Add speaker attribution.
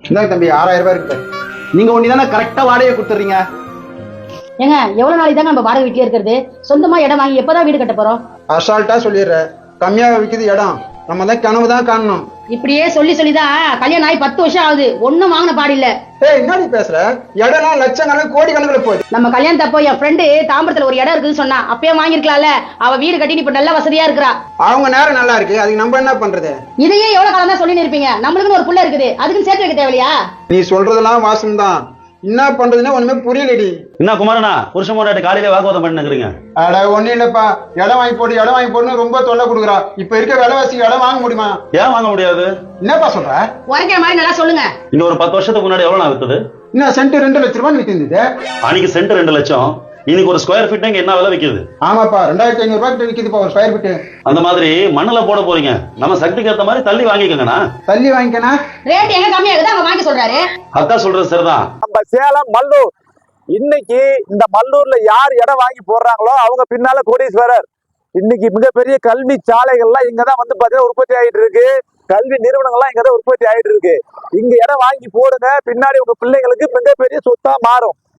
Speaker 1: இந்தாங்க தம்பி 6000 ரூபாய் இருக்கு.
Speaker 2: நீங்க ஒண்ணுதானே கரெக்டா வாடகை கொடுத்துறீங்க.
Speaker 3: ஏங்க எவ்வளவு நாளைக்கு தாங்க நம்ம வாடகை வீட்லயே இருக்கிறது? சொந்தமா இடம் வாங்கி எப்பதான் வீடு கட்ட போறோம்?
Speaker 1: அசால்ட்டா சொல்லிடுற. கம்மியாக விற்கிது இடம். நம்ம தான் கனவு தான் காணணும்.
Speaker 3: இப்படியே சொல்லி சொல்லிதான் கல்யாணம் ஆகி 10 வருஷம் ஆகுது, ஒண்ணும் வாங்கின பாடில்ல.
Speaker 1: ஏய் என்னடி பேசுற? இடம்லாம் லட்சக்கணக்கு கோடி கணக்குல போகுது.
Speaker 3: நம்ம கல்யாணத்தப்போ என் ஃப்ரெண்டு தாம்பரத்துல ஒரு இடம் இருக்குன்னு சொன்னா, அப்பயே வாங்கிருக்கலாம்ல. அவ வீடு கட்டி இப்ப நல்ல வசதியா இருக்கிறா.
Speaker 1: அவங்க நேரம் நல்லா இருக்கு, அதுக்கு நம்ம என்ன பண்றது?
Speaker 3: இதையே எவ்வளவு காலம் தான் சொல்லி இருப்பீங்க? நம்மளுக்குன்னு ஒரு புள்ள இருக்குது, அதுக்குன்னு சேர்த்து வைக்க தேவையா?
Speaker 1: நீ சொல்றதெல்லாம் வாசம் தான். என்ன பண்றதுன்னு ஒண்ணுமே புரியலடி.
Speaker 4: என்ன குமாரண்ணா, புருஷன் பொண்டாட்டி காலையில வாக்குவாதம் பண்ணிக்கிறீங்க?
Speaker 1: அட ஒண்ணு இல்லப்பா, இடம் வாங்கி போட்டு ரொம்ப தொல்லை கொடுக்குறா. இப்ப இருக்க விலைவாசி இடம் வாங்க முடியுமா?
Speaker 4: ஏன் வாங்க முடியாது?
Speaker 1: என்னப்பா சொல்ற?
Speaker 3: உரைக்கிற மாதிரி நல்லா சொல்லுங்க.
Speaker 4: இங்க ஒரு 10 வருஷத்துக்கு முன்னாடி எவ்வளவு வித்தது?
Speaker 1: இன்னும் சென்ட் 2 லட்சம் ரூபாய் வித்திருந்தது.
Speaker 4: அன்னைக்கு சென்ட் 2 லட்சம். இன்னைக்கு ஒரு ஸ்கொயர் ஃபீட் என்ன விலை விக்குது?
Speaker 1: ஆமாப்பா, 2500 ரூபாய் கிட்ட விக்குதுப்பா ஒரு ஸ்கொயர் ஃபீட்.
Speaker 4: அந்த மாதிரி மண்ணுல போட போறீங்க, நம்ம சக்திக்கு ஏத்த மாதிரி தள்ளி வாங்கிக்கங்கண்ணா.
Speaker 1: தள்ளி வாங்கிக்கனா?
Speaker 3: ரேட் எங்க கம்மியாகுது அவங்க வாங்கி சொல்றாரு.
Speaker 4: அதான் சொல்றது சரிதான்.
Speaker 5: நம்ம சேலம் மல்லூர், இன்னைக்கு இந்த மல்லூர்ல யார் இடம் வாங்கி போடுறாங்களோ அவங்க பின்னால கோடீஸ்வரர். இன்னைக்கு மிகப்பெரிய கல்வி சாலைகள்லாம் இங்கதான் வந்து பாத்தீங்கன்னா உற்பத்தி ஆயிட்டு இருக்கு. கல்வி நிறுவனங்கள்லாம் இங்கதான் உற்பத்தி ஆயிட்டு இருக்கு. இங்க இடம் வாங்கி போடுங்க, பின்னாடி உங்க பிள்ளைங்களுக்கு மிகப்பெரிய சொத்தா மாறும்.